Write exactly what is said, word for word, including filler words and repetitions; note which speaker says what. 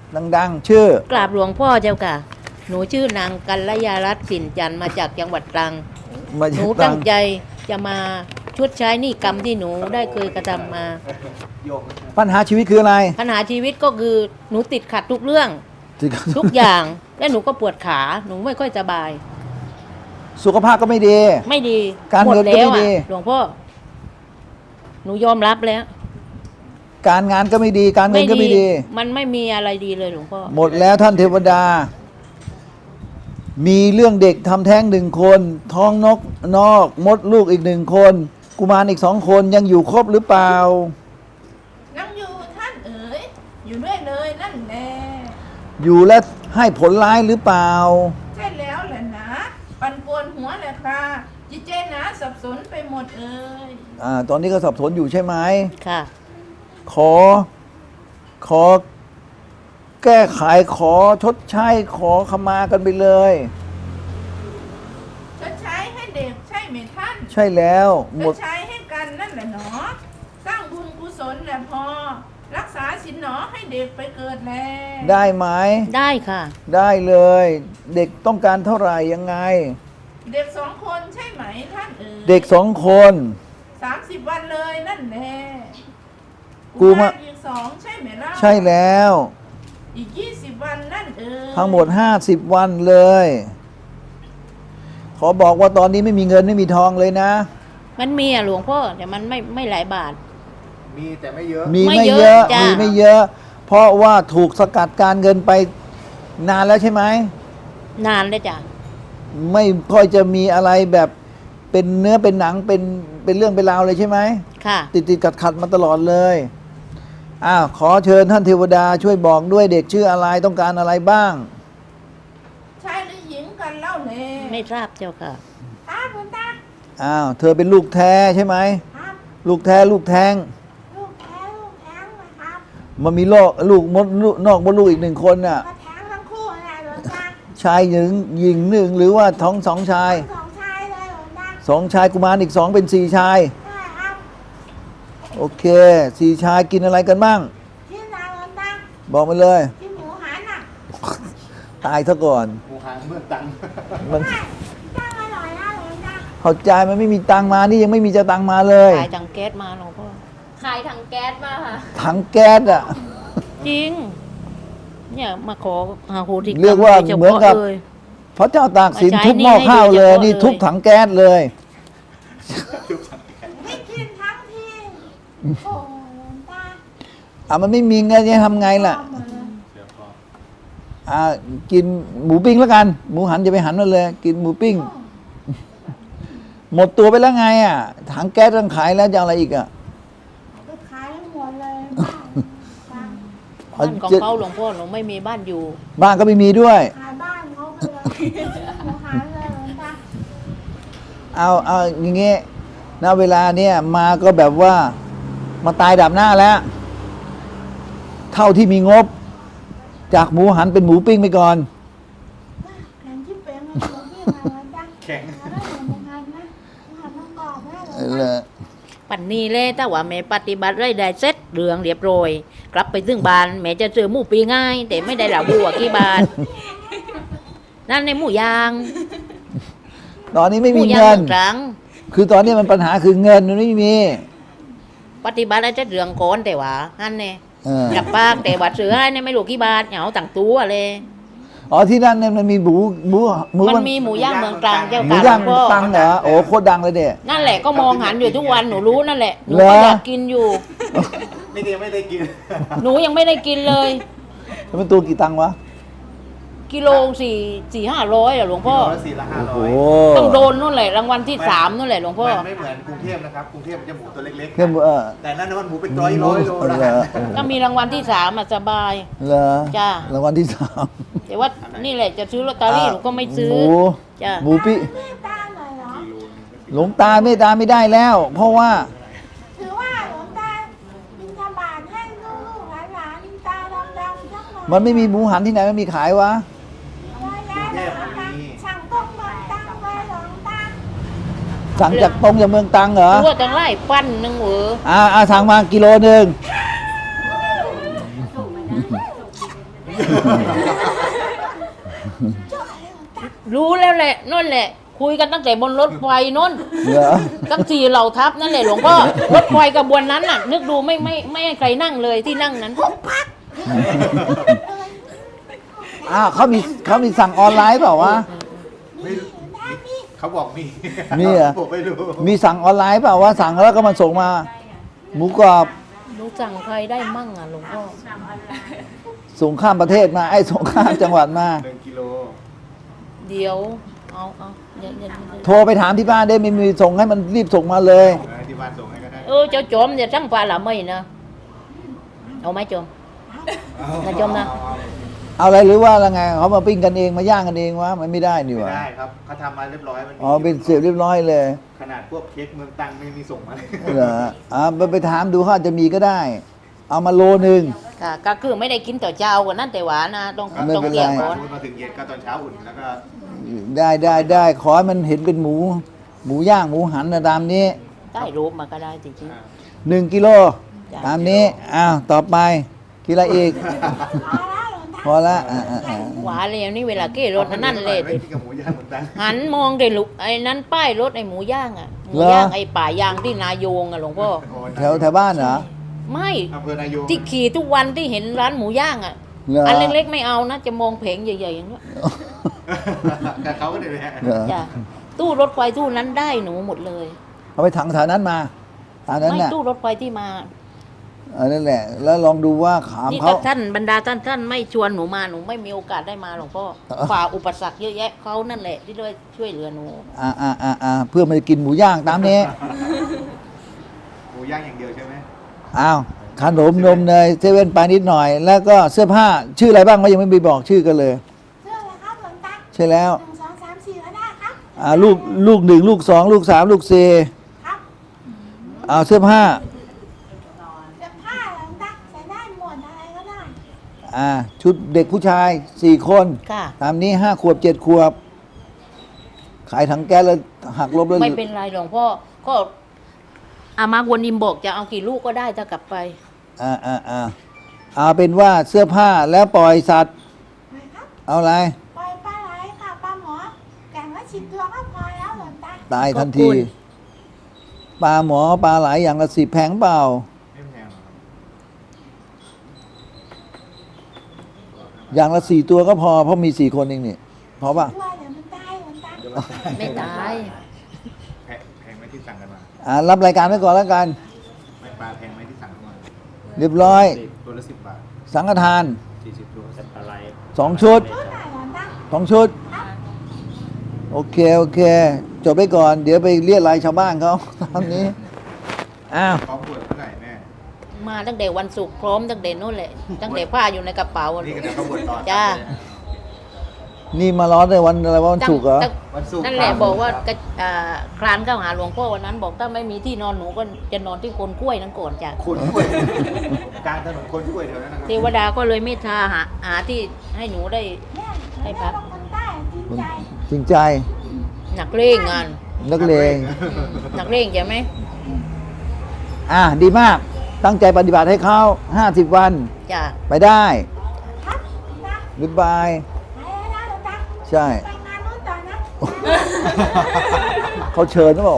Speaker 1: ดังๆชื่อก
Speaker 2: ราบหลวงพ่อเจ้าค่ะหนูชื่อนางกัลยารัตน์สินจันทร์มาจากจังหวัดตรัง
Speaker 1: มา
Speaker 2: หนู
Speaker 1: ตรั
Speaker 2: ตั้
Speaker 1: ง
Speaker 2: งใจจะมาชดใช้หนี้กรรมที่หนูได้เคยกระทำมา
Speaker 1: ปัญหาชีวิตคืออะไร
Speaker 2: ปัญหาชีวิตก็คือหนูติดขัดทุกเรื่องทุกอย่าง และหนูก็ปวดขาหนูไม่ค่อยสบาย
Speaker 1: สุขภาพก็ไม่ดี
Speaker 2: ไม่ดี
Speaker 1: การ
Speaker 2: หมด
Speaker 1: เงินก็
Speaker 2: แล้ว
Speaker 1: ไม่ดี
Speaker 2: อ่ะหลวงพ่อหนูยอมรับแล้ว
Speaker 1: การงานก็ไม่ดี การเงินก็ไม่ดี
Speaker 2: มันไม่มีอะไรดีเลยหลวงพ่อ
Speaker 1: หมดแล้วท่านเทวดา มีเรื่องเด็กทำแท้งหนึ่งคน ท้องนกนอกมดลูกอีกหนึ่งคน กุมารอีกสองคนยังอยู่ครบหรือเปล่า
Speaker 3: นั่งอยู่ท่านเอ๋ยอยู่ด้วยเลยนั่นแหละ
Speaker 1: อยู่และให้ผลร้ายหรือเปล่า
Speaker 3: ใช่แล้วแหละนะปั่นป่วนหัวแหละค่ะจิตใจหนาสับสนไปหมดเอ่ย
Speaker 1: อ่า ตอนนี้ก็สับสนอยู่ใช่ไหม
Speaker 2: ค่ะ
Speaker 1: ขอ ขอ แก้ไขขอชดใช้ขอขมากันไปเลย
Speaker 3: ชดใช้ให้เด็กใช่ไหมท่าน
Speaker 1: ใช่แล้วห
Speaker 3: ช
Speaker 1: ม
Speaker 3: ด
Speaker 1: ด
Speaker 3: ใช้ให้กันนั่นแหละหนอ สร้างบุญกุศลแหละพอ รักษาศีลหนอให้เด็กไปเกิดแล
Speaker 1: ได้ไหม
Speaker 2: ได้ค่ะ
Speaker 1: ได้เลย เด็กต้องการเท่าไหร่ยังไง
Speaker 3: เด็กสองคนใช่ไหมท่านเอ๋ย
Speaker 1: เด็กสองคน
Speaker 3: สามสิบวันเลยนั่นแหละ
Speaker 1: กูมา
Speaker 3: อีกสองใช่ไหมล่ะ
Speaker 1: ใช่แล้ว
Speaker 3: อีกยี่สิบวันนั่นเอ๋ย
Speaker 1: ทั้งหมดห้าสิบวันเลย ขอบอกว่าตอนนี้ไม่มีเงินไม่มีทองเลยนะ
Speaker 2: มันมีอ่ะหลวงพ่อแต่มันไม่ไม่หลายบาท
Speaker 4: มีแต่ไม่เยอะ
Speaker 1: มี
Speaker 2: ไม่
Speaker 1: ไม่
Speaker 2: เยอะ
Speaker 1: เยอะ
Speaker 2: จ้ะ
Speaker 1: มีไม่เยอะ เพราะว่าถูกสกัดการเงินไปนานแล้วใช่ไหม
Speaker 2: นานเลยจ้ะ
Speaker 1: ไม่ค่อยจะมีอะไรแบบเป็นเนื้อเป็นหนังเป็นเป็นเรื่องเป็นราวเลยใช่ไหม
Speaker 2: ค่ะ
Speaker 1: ติดติดขัดขัดๆมาตลอดเลยอ้าวขอเชิญท่านเทวดาช่วยบอกด้วยเด็กชื่ออะไรต้องการอะไรบ้าง
Speaker 3: ชายหรือหญิงกันเล่าเลย
Speaker 2: ไม่ทราบเจ้าค่ะ
Speaker 3: ตาคุณตา
Speaker 1: อ้าวเธอเป็นลูกแท้ใช่ไหม
Speaker 3: ครับ
Speaker 1: ลูกแท้ลูกแท้ง
Speaker 3: ลูกแท้ลูกแท้งนะครับ
Speaker 1: มันมีโรคลูกมดลูกนอกมดลูกอีกหนึ่งคนน่ะ
Speaker 3: ก็แท้งทั้งคู่อะไรหลวงตา
Speaker 1: ชายหนึ่งหญิงหนึ่งหรือว่าท้องสองชาย
Speaker 3: สองชายเลยหลวงตา
Speaker 1: สองชายกุมารอีกสองเป็นสี่ชาย
Speaker 3: ใช่ครับ
Speaker 1: โอเคสี่ชายกินอะไรกันบ้าง
Speaker 3: ที่นายหลวงตา
Speaker 1: บอกมาเลย
Speaker 3: ที่หมูหันอ่ะ
Speaker 1: ตายซะก่อน
Speaker 4: หมูหางเมืองตัง
Speaker 1: มัน
Speaker 3: ใช่ตั้งอร่อยนะหลวงตา
Speaker 1: เข้าใจมันไม่มีตังค์มานี่ยังไม่มีจะตังค์มาเลย
Speaker 2: ขายถังแก๊สมาหลวงพ่อ
Speaker 5: ขายถังแก๊สมาค่ะ
Speaker 1: ถังแก๊สอ่ะ
Speaker 2: จริง เนี่ยมาขอหาโหติกรรม
Speaker 1: เรียกว่า
Speaker 2: โดฉพะ
Speaker 1: เหมือนกับ
Speaker 2: ลย
Speaker 1: พระเจ้าตากสิน
Speaker 2: มาใช้
Speaker 1: ทุบหม้อข้าวเลย
Speaker 2: หนี้ให้โดยเฉพาะ
Speaker 1: นี่ทุบถังแก๊สเลย
Speaker 3: ไม่กินทั้งทีโอ้หลวงตา
Speaker 1: อ่ะมันไม่มีเงินจะทำไงล่ะ
Speaker 3: เอามาเลย
Speaker 1: อ่ากินหมูปิ้งแล้วกัน หมูหันจะไปหันมาเลย กินหมูปิ้ง หมดตัวไปแล้วไงอ่ะ ถังแก๊สต้องขายแล้วจะเอาอะไรอีกอ่ะ
Speaker 3: ก็ขายให้หมดเลยบ้าน
Speaker 2: บ้านของเขาหลวงพ่อหนูไม่มีบ้านอยู่
Speaker 1: บ้านก็ไม่มีด้วย
Speaker 3: ขายบ้านเขาไปเลยหมูหันเลยหลวงตา
Speaker 1: เอาเอาอย่างเงี้ยณเวลาเนี่ยมาก็แบบว่ามาตายดับหน้าแล้ว เท่าที่มีงบ จากหมูหันเป็นหมูปิ้งไปก่อน
Speaker 3: แข็งที่เป็นมันหลวงพี่มาหลวงตา
Speaker 4: แข็ง
Speaker 3: มาได้หมูหันนะหมูหันต้องกรอบนะหลวง
Speaker 1: เออ
Speaker 3: ตา
Speaker 1: เลย
Speaker 2: ปันนี้เลยถ้าว่าแม่ปฏิบัติไรได้เสร็จเรื่องเรียบร้อยกลับไปถึงบ้านแม่จะซื้อหมูปีง่าย แต่ไม่ได้หลาบัวกี่บาท นั่นในหมูยาง
Speaker 1: ตอนนี้ไม่
Speaker 2: หมู
Speaker 1: มี
Speaker 2: ยาง
Speaker 1: เงิน
Speaker 2: เมืองตรัง
Speaker 1: คือตอนนี้มันปัญหาคือเงินมันไม่มี
Speaker 2: ปฏิบัติไรเสร็จเรื่องก่อนแต่ว่าฮันเนี่ย
Speaker 1: เออ
Speaker 2: กับปากแต่ว่าซื้อให้เนี่ยไม่รู้กี่บาทเอาต่างตัวเลย
Speaker 1: อ๋อที่นั่นเนี่ยมันมีหมูหมูหมู
Speaker 2: มันมีหมูย่างเมืองตรังเจ้า
Speaker 1: หมู
Speaker 2: ค่ะ
Speaker 1: ย่าง
Speaker 2: หลวงพ่อ
Speaker 1: ตังเหรอโอ้โคตรดังเลยเด็
Speaker 2: นั่นแหละก็มองหันอยู่ทุกวันหนูรู้นั่นแหละหนู
Speaker 1: เหร
Speaker 2: ก็
Speaker 1: อ
Speaker 2: อยากกินอยู่
Speaker 4: นี่ก็ยังไม่ได้กิน
Speaker 2: หนูยังไม่ได้กินเลย
Speaker 1: แล้วมันตัวกี่ตังค์วะ
Speaker 2: กิโลสี่สี่ห้าร้อยอะหลวงพ่อ
Speaker 4: กิโลละสี่ละห้าร้
Speaker 1: โอ้
Speaker 4: อย
Speaker 1: โห
Speaker 2: ต้องโดนนู่นแหละรางวัลที่สามนู่นแหละหลวงพ่อ
Speaker 4: มันไม่เหมือนกรุงเทพนะครับ กรุงเทพมันจะหมูตัวเล็กๆ
Speaker 1: เครื่องมือเออ
Speaker 4: แต่นั่นมันหมูเป็นร้อยร้อยโล
Speaker 1: เหร
Speaker 4: นะ
Speaker 1: อโอ้โห
Speaker 2: ก็มีรางวัลที่สามอะสบาย
Speaker 1: เหรอ
Speaker 2: จ้ะ
Speaker 1: รางวัลที่สาม
Speaker 2: แต่ว่านี่แหละจะซื้อลอตเตอรี่หนูก็ไม่ซื้อ
Speaker 1: หมู
Speaker 2: จ้ะ
Speaker 1: หมูปิ้ง
Speaker 3: เมตตาหน่อยเหรอ
Speaker 1: หลวงตาเมตตาไม่ได้แล้ว เพราะว่า
Speaker 3: ถือว่าหลวงตาบิณฑบาตให้ลูกๆหลานๆตาดำๆสักหน่อย
Speaker 1: มันไม่มีหมูหันที่ไหนมันมีขายวะ
Speaker 3: ว่าแล้วหลวงตาสั่งต้มเมืองตังไว้หลวงตา
Speaker 1: สั่งจากตรงจากเมืองตรังเหรอ
Speaker 2: รู้ว่าจังไรปั้นหนึงเออ
Speaker 1: อ่าอ่าสั่งมากิโลหนึ่ง
Speaker 2: รู้แล้วแหละนั่นแหละ คุยกันตั้งแต่บนรถไฟนั่น
Speaker 1: เหรอ
Speaker 2: ตั้งสี่เหล่าทัพนั่นแหละหลวงพ่อรถไฟกระบวนนั้นน่ะ นึกดูไม่ไม่ไม่ให้ใครนั่งเลยที่นั่งนั้น
Speaker 1: อ้าวเขามีเขามีสั่งออนไลน์เปล่าวะ
Speaker 4: ไม่มีเขาบอกมี
Speaker 1: มีเหรอ
Speaker 4: ผมไม่รู้
Speaker 1: มีสั่งออนไลน์เปล่าวะสั่งแล้วก็มาส่งมา หมูกรอบ
Speaker 2: รู้สั่งใครได้มั่งอ่ะหลวงพ่อ
Speaker 1: ส่งข้ามประเทศมาไอ้ส่งข้ามจังหวัดมา
Speaker 4: หนึ่งกิโล
Speaker 2: เดี๋ยวเอาเอาอย่าอย่าอย่า
Speaker 1: โทรไปถามที่บ้านได้ไม่มีส่งให้มันรีบส่งมาเลย
Speaker 4: เออที่บ้านส่งให้ก็ได้
Speaker 2: เออเจ้าจอมอย่าสั่งปลาละไม่นะเอาไหมจอม นะจมนะ
Speaker 4: เอาเอา
Speaker 1: เอาอะไรหรือว่าอะไรไงเขามาปิ้งกันเองมาย่างกันเองวะมันไม่ได้นี่
Speaker 4: ไม่
Speaker 1: วะ
Speaker 4: ได้ครับเขาทำมาเรียบร้อยมันมี
Speaker 1: อ๋อเป็นเสร็จเรียบร้อยเลย
Speaker 4: ขนาดพวกเค้กเมืองตังไม่มีส่งมาเลย
Speaker 1: เหรออ่าไปไปถามดูเขาอาจจะมีก็ได้ เอามาโลนึง
Speaker 2: ค่ะก็คือไม่ได้กินต่อเจ้ากันนั่นแต่หวานนะต้อง
Speaker 1: ไม่
Speaker 2: ต้อง
Speaker 1: เป็นไร
Speaker 2: เกี่ยว
Speaker 4: มา
Speaker 2: ก่อน
Speaker 4: มาถึงเย็นก็ตอนเช้าอุ่นแล้วก็
Speaker 1: ได้ได้ได้ขอให้มันเห็นเป็นหมู หมูย่างหมูหันนะตามนี้
Speaker 2: ได้รูปมาก็ได้จริง
Speaker 4: อ่า
Speaker 1: หนึ่งกิโล
Speaker 2: จ้ะ
Speaker 1: ตามนี้อ้าวต่อไปกินอะไรอีก พอละอ่าอ่าอ่า
Speaker 2: ๆหวานเลยนี่เวลาเก้รถอันนั่นเลย
Speaker 4: ไม่กินกับหมูย่างเมืองตัง
Speaker 2: หันมองเด็ลุกไอ้นั้นป้ายรถไอ้หมูย่างอ่ะหมูย่างไอ้ป่ายางที่นายงอ่ะหลวงพ่อ
Speaker 4: โอ้
Speaker 1: แถวแถวบ้านเหรอ
Speaker 2: ไม่
Speaker 4: อำเภอนายง
Speaker 2: ที่ขี่ทุกวันที่เห็นร้านหมูย่างอ่ะ
Speaker 1: เหรอ
Speaker 2: อันเล็กๆไม่เอานะจะมองเพงใหญ่ๆอย่างเงี้ย
Speaker 4: กับเขาก็ได้เลยฮะ
Speaker 1: เหรอ
Speaker 2: จ้ะตู้รถไฟตู้นั้นได้หนูหมดเลย
Speaker 1: เอาไปถังแถวนั้นมาตามนั้น
Speaker 2: ไม่
Speaker 1: น่ะ
Speaker 2: ตู้รถไฟที่มา
Speaker 1: อันนั่นแหละ แล้วลองดูว่าขาม
Speaker 2: นี่
Speaker 1: เขา
Speaker 2: ถ้าท่านบรรดาท่านท่านไม่ชวนหนูมาหนูไม่มีโอกาสได้มาหลวงพ่อ
Speaker 1: เออ
Speaker 2: ฝ่าอุปสรรคเยอะแยะเขานั่นแหละที่ด้วยช่วยเหลือหนู
Speaker 1: อ่าอ่าอ่าอ่าเพื่อมากินหมูย่างตามนี้
Speaker 4: หมูย่างอย่างเดียวใช่ไหม
Speaker 1: อ้าวขนมนมเนยเซเว่นไปนิดหน่อย แล้วก็เสื้อผ้าชื่ออะไรบ้างก็ยังไม่มีบอกชื่อกันเลย
Speaker 3: เชื่อเลยครับหลวงตา
Speaker 1: ใช่แล้ว
Speaker 3: หนึ่งสองสามสี่ก็ได้ครับ
Speaker 1: อ่าลูกลูกหนึ่งลูกสองลูกสามลูกสี่
Speaker 3: ครับ
Speaker 1: อ่าเสื้อผ้า
Speaker 3: เสื้อผ้าหลวงตาใส่ได้หมดอะไรก็ได้
Speaker 1: อ่าชุดเด็กผู้ชายสี่คน
Speaker 2: ค่ะ
Speaker 1: ตามนี้ห้าขวบเจ็ดขวบ ขายถังแก๊สแล้วหักลบแล้ว
Speaker 2: ไม่เป็นไรหลวงพ่อก็อามาวนอิมบอกจะเอากี่ลูกก็ได้ถ้ากลับไป
Speaker 1: อ่าอ่าอ่าเอาเป็นว่าเสื้อผ้าแล้วปล่อยสัตว์
Speaker 3: ไปครับ
Speaker 1: เอาอะไร
Speaker 3: ปล่อยปลาไหลค่ะปลาหมอแก่งละสิบตัวก็พอแล้วหลวงตา
Speaker 1: ตายทัน
Speaker 2: ขอบ
Speaker 1: ที
Speaker 2: คุณ
Speaker 1: ปลาหมอปลาไหลอย่างละสิบแพงเปล่า
Speaker 4: ไม่แพงหรอกครับ
Speaker 1: อย่างละสี่ตัวก็พอเพราะมีสี่คนเองนี่พอป่ะ
Speaker 3: ด้วยเดี๋ยวมันตายหลวงตา
Speaker 4: เดี๋ยวเรา
Speaker 2: ไม่ตาย
Speaker 4: แพงแพงไหมที่สั่งกันมา
Speaker 1: อ่ารับรายการไว้ก่อนแล้วกัน
Speaker 4: ไม่ปลาแพงไหมที่สั่งกันมา
Speaker 1: เรียบร้อย
Speaker 4: ตัวละสิบบาท
Speaker 1: สังฆทาน
Speaker 4: สี่สิบตัวสัตว์อะไร
Speaker 1: สองชุด
Speaker 3: เท่าไหร่หลวงตา
Speaker 1: สองชุด โอเค โอเค จบไปก่อน เดี๋ยวไปเรียกรายชาวบ้านเขา ตามนี้ อ้าว
Speaker 4: พร้อมบวชเมื่อไหร่แม่
Speaker 2: มาตั้งแต่วันศุกร์พร้อมตั้งแต่นู่นแหละตั้งแต่ผ้าอยู่ในกระเป๋า
Speaker 4: นี่ก็จะเขาบวชตอน
Speaker 2: จ้า
Speaker 1: นี่มาร้อนในวันอะไรวะวันศุกร์เหรอ
Speaker 2: ตั้ง
Speaker 4: วันศุกร์
Speaker 2: นั่นแหละ
Speaker 4: ครับ
Speaker 2: บอกว่าก็อ่าคลานเข้าหาหลวงพ่อวันนั้น บอกถ้าไม่มีที่นอนหนูก็จะนอนที่โคนกล้วยนั้นก่อนจ้ะ
Speaker 4: คนกล้วยกลางถนนคนกล้วยแถวนั้นนะครั
Speaker 2: เทวดาก็เลยไม่ทาหาหาที่ให้หนูได้
Speaker 3: เนี่ย
Speaker 2: ให้พัก
Speaker 3: คนใต้จริงใจ
Speaker 1: จริงใจ
Speaker 2: หนักเร่งงาน
Speaker 1: นักเลง
Speaker 2: หนักเร่งใช่ไหม
Speaker 1: อ่ะ ดีมาก ตั้งใจปฏิบัติให้เขาห้าสิบวัน
Speaker 2: จ้ะ
Speaker 1: ไปได้
Speaker 3: ครับนะ
Speaker 1: บ๊ายบาย
Speaker 3: ไปแล้วนะหลวงตา
Speaker 1: ใช่
Speaker 3: ไปงานนู้นต่อนะ
Speaker 1: เขาเชิญหรือเปล่า